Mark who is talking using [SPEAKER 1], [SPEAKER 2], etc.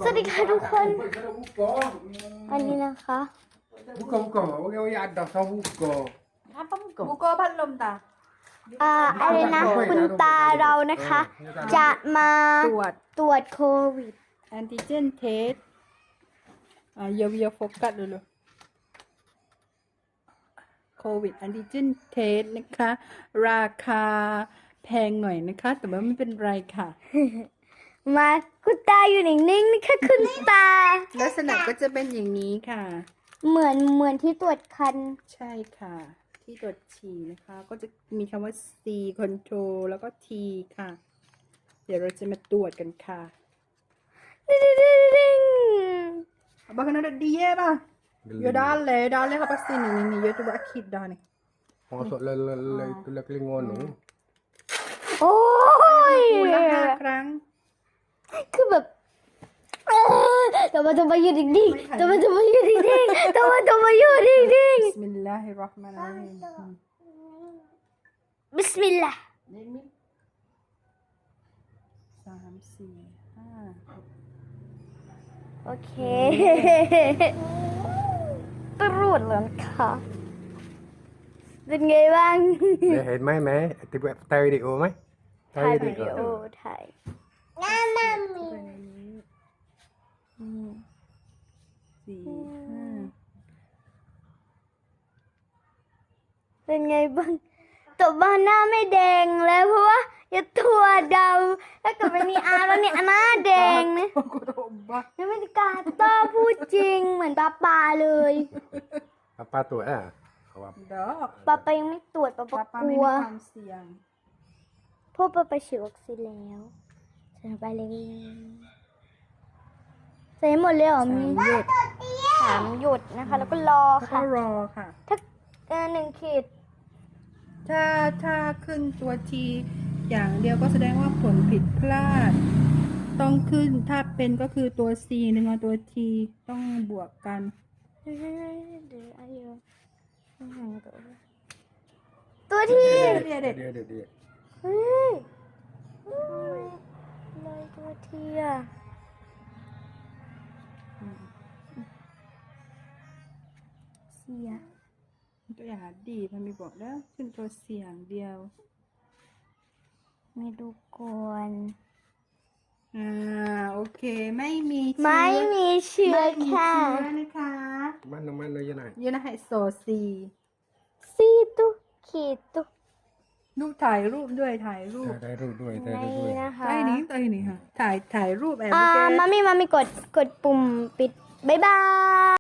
[SPEAKER 1] สวัสดีค่ะทุกคน อันนี้นะคะ
[SPEAKER 2] Buka, orang ada tahu buka.
[SPEAKER 3] Apa buka? Bukaพัดลมตา
[SPEAKER 1] อะไรนะ คุณตาเรานะคะ จะมาตรวจโควิด
[SPEAKER 3] แอนติเจนเทสเยียวโฟกัสเลยโควิดแอนติเจนเทสนะคะ ราคาแพงหน่อยนะคะ แต่ว่าไม่เป็นไรค่ะ
[SPEAKER 1] มาคุณตาอยู่นิ่งๆนะคะคุณตา
[SPEAKER 3] ลักษณะก็จะเป็นอย่างนี้ค่ะ
[SPEAKER 1] เหมือนที่ตรวจคัน
[SPEAKER 3] ใช่ค่ะ ที่ตรวจฉี่นะคะ ก็จะมีคำว่า C control แล้วก็ T ค่ะ เดี๋ยวเราจะมาตรวจกันค่ะ Abang kena ada dia bah. Yo dale apa sini ni yo coba akid dah ni.
[SPEAKER 2] Masuk le tu le kelingon tu.
[SPEAKER 1] โอ้ย
[SPEAKER 3] Ulang 5 ครั้ง
[SPEAKER 1] คือแบบทำไมอยู่ดิ่งๆทำไมอยู่ดิ่งๆทำไมอยู่ดิ่ง
[SPEAKER 3] Bismillahirrahmanirrahim.
[SPEAKER 1] ๆบิสมิลลาห์
[SPEAKER 3] 3 4 5
[SPEAKER 1] โอเคตรวจแล้วค่ะเป็นไงบ้าง
[SPEAKER 2] Dah head mai mai, tu buat tahu video mai.
[SPEAKER 1] ถ่ายวิดีโอถ่ายน้ำมันมี เป็นไงบ้างตัวบ้านหน้าไม่แดงแล้วเพราะว่าอย่าตัวดำแล้วก็ไม่มีอาแล้วเนี่ยหน้าแดงนะ
[SPEAKER 3] Aku tak ubah.
[SPEAKER 1] ยังไม่ได้กล้าต้อพูดจริงเหมือนปาเลย
[SPEAKER 2] Apa tu ah? Awak.
[SPEAKER 3] Dah.
[SPEAKER 1] ปายังไม่ตรวจปาก
[SPEAKER 3] Papa
[SPEAKER 1] กลั
[SPEAKER 3] ไม่
[SPEAKER 1] ว
[SPEAKER 3] มีความเสี่ยง
[SPEAKER 1] เพราะปาฉีดวัคซีนแล้วใส่ไปเลยใส่หมดเลยเหรอมี3 หยดนะคะ แล้วก็รอ
[SPEAKER 3] แล้วก็
[SPEAKER 1] ค่ะ
[SPEAKER 3] รอค่ะ
[SPEAKER 1] ถ้า1 ขีด
[SPEAKER 3] ถ้าขึ้นตัวทีอย่างเดียวก็แสดงว่าผลผิดพลาด ต้องขึ้นถ้าเป็นก็คือตัว C หนึ่งกับตัว T ต้องบวกกัน
[SPEAKER 1] เดี๋ยวอายุตัวที่
[SPEAKER 3] เดี๋ยวเด็ด
[SPEAKER 2] Dia.
[SPEAKER 1] เฮ้ยเลยตัวที่อะเสีย
[SPEAKER 3] ตัวอย่างดีมันมีบอกแล้วขึ้นตัวเสียงเดียว
[SPEAKER 1] ไม่ดูก่อน
[SPEAKER 3] โอเคไม่มีเชื้อ
[SPEAKER 1] ไม่มีเชื้อ
[SPEAKER 3] ไม่มี
[SPEAKER 1] ค่ะ
[SPEAKER 3] เชื้อนะคะ
[SPEAKER 2] Mana je nak.
[SPEAKER 3] ยูนะไฮโซซี
[SPEAKER 1] ซีตุขีดตุ
[SPEAKER 3] ลูกถ่ายรูปด้วยถ่ายรูป
[SPEAKER 2] Dah ru dua,
[SPEAKER 1] ในนะคะ
[SPEAKER 3] ได้นี่ค่ะถ่ายรูปแอบ
[SPEAKER 1] มามี่กดปุ่มปิดบ๊ายบาย